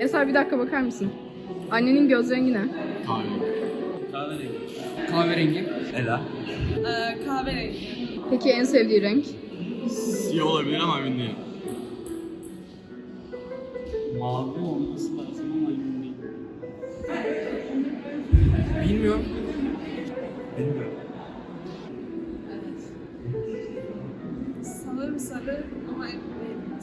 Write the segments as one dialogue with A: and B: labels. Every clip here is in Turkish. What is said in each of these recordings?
A: Eser bir dakika bakar mısın? Annenin göz rengi ne?
B: Kahverengi.
C: Kahverengi.
B: Ela.
D: Kahverengi.
A: Peki en sevdiği renk?
B: Siyah olabilir ama emin değilim. Mavi olması lazım ama emin değilim.
C: Bilmiyorum.
B: Bilmiyorum.
D: Sanırım sarı ama emin değilim.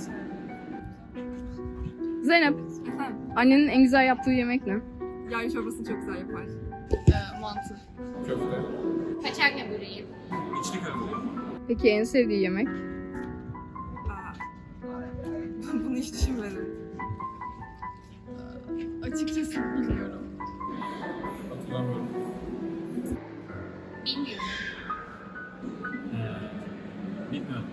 A: Zeynep,
D: Efendim?
A: annenin en güzel yaptığı yemek ne?
D: Yay çorbasını çok güzel yapar. Mantı.
B: Köfte.
E: Paçanga böreği.
B: İçli köfte.
A: Peki en sevdiği yemek?
D: Bunu hiç düşünmedim. Açıkçası bilmiyorum.
B: Hatırlamıyorum.
E: Bilmiyorum.
B: Bilmiyorum.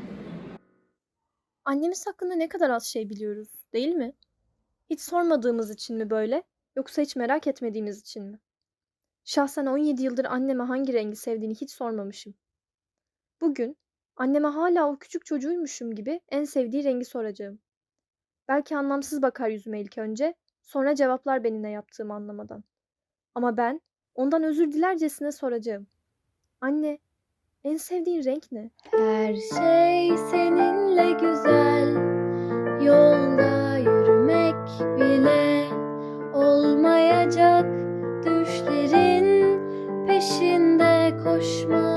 F: Annemiz hakkında ne kadar az şey biliyoruz, değil mi? Hiç sormadığımız için mi böyle, yoksa hiç merak etmediğimiz için mi? Şahsen 17 yıldır anneme hangi rengi sevdiğini hiç sormamışım. Bugün anneme hala o küçük çocuğuymuşum gibi en sevdiği rengi soracağım. Belki anlamsız bakar yüzüme ilk önce, sonra cevaplar beni ne yaptığımı anlamadan. Ama ben ondan özür dilercesine soracağım. Anne, en sevdiğin renk ne? Her şey seninle güzel. Yolda yürümek bile olmayacak. Düşlerin peşinde koşmak.